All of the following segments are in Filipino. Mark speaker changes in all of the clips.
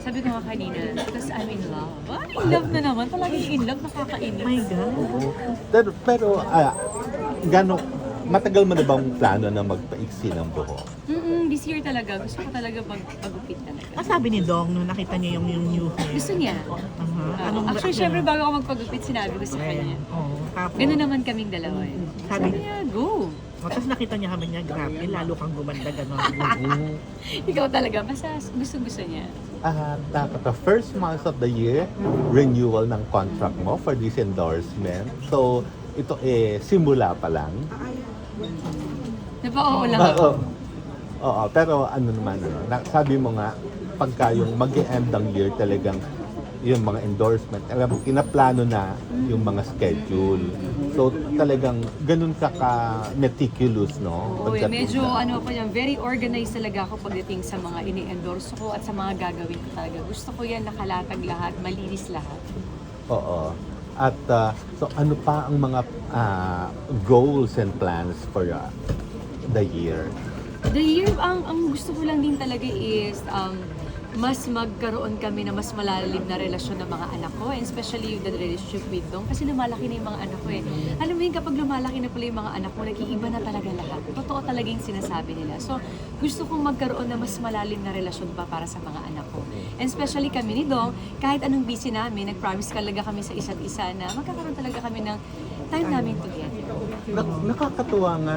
Speaker 1: Sabi ko nga kanina, because I'm in love. In love na naman. Palaging in love, nakakainis.
Speaker 2: My God.
Speaker 3: Pero matagal mo na bang plano na magpaiksi ng buhok?
Speaker 1: This year talaga. Gusto ko talaga pag-upit talaga.
Speaker 2: Sabi ni Dong nung nakita niya yung new hair.
Speaker 1: Gusto niya. Actually, syempre bago ako magpag-upit, sinabi ko sa kanya.
Speaker 2: Oo. Tapos,
Speaker 1: Ganun naman kaming dalawa eh. Sabi niya, go!
Speaker 2: tapos nakita niya kami niya, grabe, lalo kang gumanda gano'n.
Speaker 1: Ikaw talaga, basta gusto-gusto niya.
Speaker 3: Dapat the first month of the year, renewal ng contract mo for this endorsement. So, ito simula pa lang.
Speaker 1: Napaka-oo lang ako.
Speaker 3: Oo, pero ano naman, sabi mo nga, pagka yung mag-end ng year talagang yung mga endorsement, alam mo, kinaplano na yung mga schedule. So talagang ganun ka-meticulous, no?
Speaker 1: Oo, medyo ano pa yan, very organized talaga ako pagdating sa mga ini-endorse ko at sa mga gagawin ko talaga. Gusto ko yan nakalatag lahat, malinis lahat.
Speaker 3: Oo. At so ano pa ang mga goals and plans for the year?
Speaker 1: The year, ang gusto ko lang din talaga is mas magkaroon kami na mas malalim na relasyon ng mga anak ko, and especially the relationship with Dong, kasi lumalaki na yung mga anak ko eh. Alam mo yun, kapag lumalaki na pala yung mga anak ko, nag-iiba na talaga lahat. Totoo talaga yung sinasabi nila. So, gusto kong magkaroon na mas malalim na relasyon pa para sa mga anak ko. And especially kami ni Dong, kahit anong busy namin, nag-promise talaga kami sa isa't isa na magkakaroon talaga kami ng time namin together.
Speaker 3: Nakakatuwa nga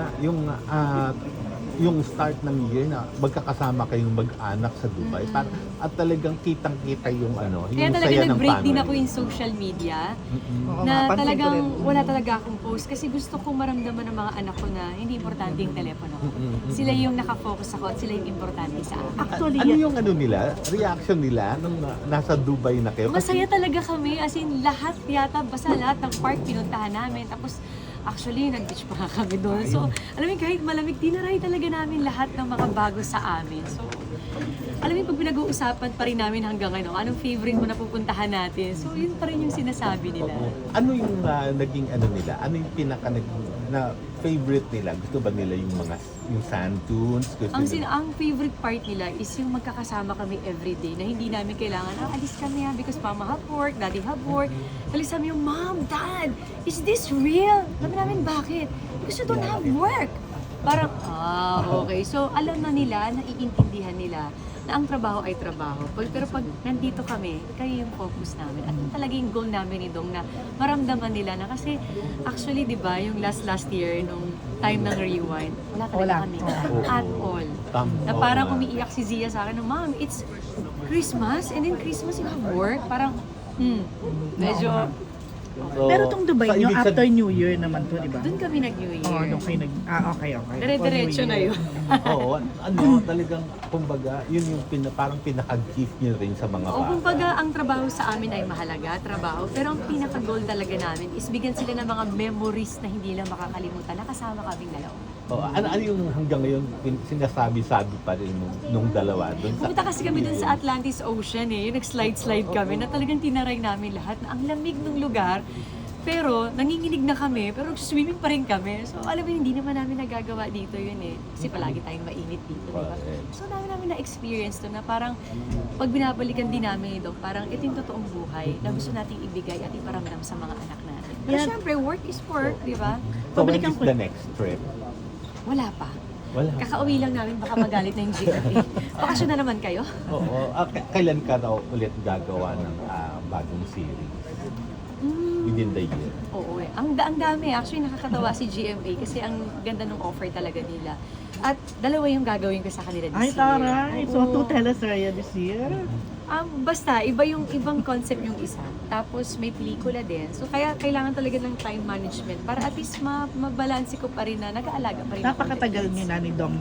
Speaker 3: yung start ng year na magkakasama kayong mag-anak sa Dubai. At talagang kitang-kita yung
Speaker 1: Kaya
Speaker 3: yung
Speaker 1: talaga
Speaker 3: saya ng
Speaker 1: nag-break din
Speaker 3: family.
Speaker 1: ako in social media
Speaker 2: Oo
Speaker 1: na
Speaker 2: nga, pansin ko
Speaker 1: talagang
Speaker 2: rin.
Speaker 1: wala talaga akong post kasi gusto kong maramdaman ng mga anak ko na hindi importante yung telepono ko. Sila yung nakafocus ako at sila yung importante sa akin.
Speaker 2: Actually,
Speaker 3: Ano yung nila, reaction nila nung nasa Dubai na kayo?
Speaker 1: Masaya talaga kami, as in lahat yata, basta lahat ng park pinuntahan namin. Tapos actually, nag-beach pa nga kami doon. So, alam mo, kahit malamig, tinaray talaga namin lahat ng mga bago sa amin. So, alam mo, pag pinag-uusapan pa rin namin hanggang anong favorite mo na pupuntahan natin. So, yun pa rin yung sinasabi nila.
Speaker 3: Ano yung naging nila? Ano yung pinaka na favorite nila? Gusto ba nila yung sand dunes? Gusto nila?
Speaker 1: Ang favorite part nila is yung magkakasama kami everyday na hindi namin kailangan, alis kami because mama have work, daddy have work. Alis kami yung, Mom, Dad, is this real? Sabi namin, bakit? Because you don't have work. Parang, okay. So, alam na nila, naiintindihan nila na ang trabaho ay trabaho. Pero pag nandito kami, kayo yung focus namin. At yung talaga yung goal namin ni Dong na maramdaman nila na kasi actually, di ba, yung last year, nung time ng rewind, wala talaga kami at all. Na parang umiiyak si Zia sa akin, Mom, it's Christmas, and then Christmas you have work. Parang, medyo,
Speaker 2: pero tong Dubai
Speaker 3: So,
Speaker 2: nyo,
Speaker 3: ibig
Speaker 2: after New Year naman to, di ba?
Speaker 1: doon kami nag-New Year.
Speaker 2: Oo, doon kayo okay.
Speaker 1: Dire-diretso na yun.
Speaker 3: Oo, talagang, kumbaga, yun yung parang pinaka-gift nyo rin sa mga
Speaker 1: O kumbaga, ang trabaho sa amin ay mahalaga, trabaho. Pero ang pinaka-goal talaga namin is bigyan sila ng mga memories na hindi lang makakalimutan na kasama kaming dalawa.
Speaker 3: Ano yung hanggang ngayon sinasabi-sabi pa rin nung dalawa doon sa...
Speaker 1: Pumunta kasi kami dun sa Atlantis Ocean yung nag-slide-slide kami na talagang tinaray namin lahat na ang lamig ng lugar. Pero nanginginig na kami, pero swimming pa rin kami. So alam mo, hindi naman namin nagagawa dito yun Kasi palagi tayong mainit dito, di ba? So dami namin na-experience to na parang pag binabalikan din namin ito, parang ito yung totoong buhay na gusto nating ibigay at iparamdam sa mga anak natin. Pero syempre, work is work, di ba?
Speaker 3: So when is the next trip?
Speaker 1: Wala pa.
Speaker 3: Wala.
Speaker 1: Kakauwi lang namin, baka magalit na yung GMA. Bakasyon na naman kayo?
Speaker 3: Oo. Kailan ka raw ulit gagawa ng bagong series? Within the year?
Speaker 1: Oo Ang dami. Actually, nakakatawa si GMA kasi ang ganda ng offer talaga nila. At dalawa yung gagawin ko sa kanila this
Speaker 2: Ay,
Speaker 1: year.
Speaker 2: taray. So,
Speaker 1: Oo.
Speaker 2: 2 teleserye this year?
Speaker 1: Basta, ibang concept yung isa. Tapos may pelikula din. So kaya kailangan talaga ng time management para at least mabalanse ko pa rin na nag-aalaga pa rin ako.
Speaker 2: Napakatagal niyo na ni Dong